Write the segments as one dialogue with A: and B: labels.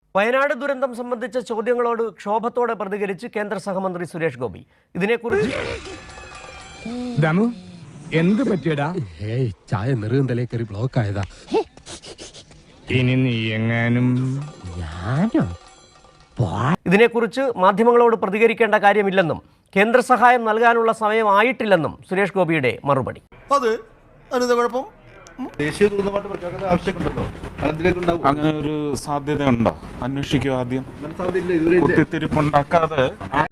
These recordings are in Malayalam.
A: വയനാട് ദുരന്തം സംബന്ധിച്ച ചോദ്യങ്ങളോട് ക്ഷോഭത്തോടെ പ്രതികരിച്ച് കേന്ദ്ര സഹമന്ത്രി സുരേഷ് ഗോപി. ഇതിനെക്കുറിച്ച്
B: എന്ത് പറ്റിയടാ?
C: ചായ നെറുകന്തലേ കയറി ബ്ലോക്ക് ആയതാ.
B: ഇനി നീ എങ്ങാനും
A: ഇതിനെക്കുറിച്ച് മാധ്യമങ്ങളോട് പ്രതികരിക്കേണ്ട കാര്യമില്ലെന്നും കേന്ദ്ര സഹായം നൽകാനുള്ള സമയമായിട്ടില്ലെന്നും സുരേഷ് ഗോപിയുടെ മറുപടി.
D: അങ്ങനെ ഒരു സാധ്യത ഉണ്ടോ? അന്വേഷിക്കുക ആദ്യം. കുത്തിത്തിരിപ്പുണ്ടാക്കാതെ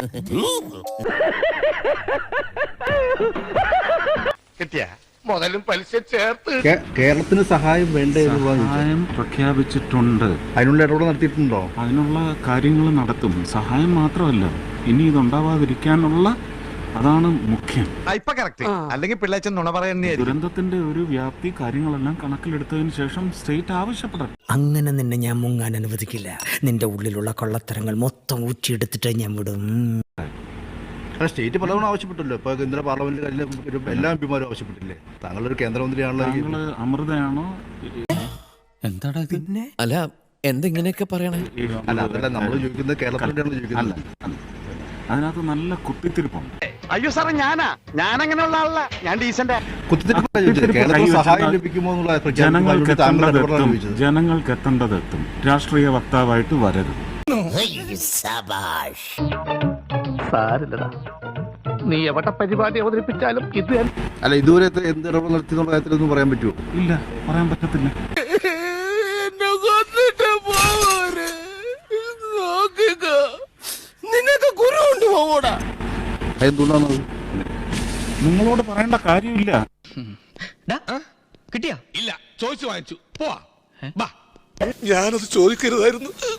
E: മുതലും പലിശ ചേർത്ത്
F: കേരളത്തിന് സഹായം വേണ്ടേ?
D: സഹായം പ്രഖ്യാപിച്ചിട്ടുണ്ട്.
F: അതിനുള്ള ഇടപെടൽ നടത്തിയിട്ടുണ്ടോ?
D: അതിനുള്ള കാര്യങ്ങൾ നടത്തും. സഹായം മാത്രമല്ല, ഇനി ഇതുണ്ടാവാതിരിക്കാനുള്ള, അതാണ് മുഖ്യം.
E: അല്ലെങ്കിൽ പിള്ളേച്ചൻ നുണ പറയുന്നേ.
D: ദുരന്തത്തിന്റെ ഒരു വ്യാപ്തി കാര്യങ്ങളെല്ലാം കണക്കിലെടുത്തതിന് ശേഷം സ്റ്റേറ്റ് ആവശ്യപ്പെടാം.
G: അങ്ങനെ നിന്നെ ഞാൻ മുങ്ങാൻ അനുവദിക്കില്ല. നിന്റെ ഉള്ളിലുള്ള കൊള്ളത്തരങ്ങൾ മൊത്തം ഊറ്റിയെടുത്തിട്ട് ഞാൻ വിടും.
F: സ്റ്റേറ്റ് പലതവണ ആവശ്യപ്പെട്ടല്ലോ. ഇപ്പൊ കേന്ദ്ര പാർലമെന്റിൽ എല്ലാ എംപിമാരും ആവശ്യപ്പെട്ടില്ലേ? താങ്കളൊരു കേന്ദ്രമന്ത്രിയാണല്ലോ.
D: താങ്കള് അമൃതയാണോ?
C: എന്താടാ പിന്നെ? അല്ല, എന്തെങ്ങനെയൊക്കെ പറയണേ?
F: അല്ല, അതല്ല നമ്മൾ ചോദിക്കുന്നത്, കേരളത്തിലാണ് ചോദിക്കുന്നത്.
D: അതിനകത്ത് നല്ല കുത്തിത്തിരിപ്പുണ്ട്.
E: അയ്യോ സാറേ, ഞാനങ്ങനെയുള്ള ആളല്ല, ഞാൻ ഡീസന്റ്.
F: കേരളത്തിൽ സഹായം ലഭിക്കുമോ എന്നുള്ള
D: ജനങ്ങൾക്ക് എത്തേണ്ടതെത്തും. രാഷ്ട്രീയ വക്താവായിട്ട് വരരുത്.
E: സാരില്ലടാ, നീ എവിടെ പരിപാടി അവതരിപ്പിച്ചാലും ഇത്
F: അല്ല, ഇതുവരെ എന്ത് ഇടപെടൽ നടത്തിയെന്നുള്ള കാര്യത്തിലൊന്നും പറയാൻ പറ്റുമോ?
D: ഇല്ല, പറയാൻ പറ്റത്തില്ല.
E: നിനക്ക് ഗുരു കൊണ്ടുപോകൂടാ.
F: എന്തുകൊണ്ടാണത്?
D: നിങ്ങളോട് പറയേണ്ട കാര്യമില്ല.
E: കിട്ടിയാ?
H: ഇല്ല, ചോദിച്ചു വാങ്ങിച്ചു. പോവാ. ഞാനത് ചോദിക്കരുതായിരുന്നു.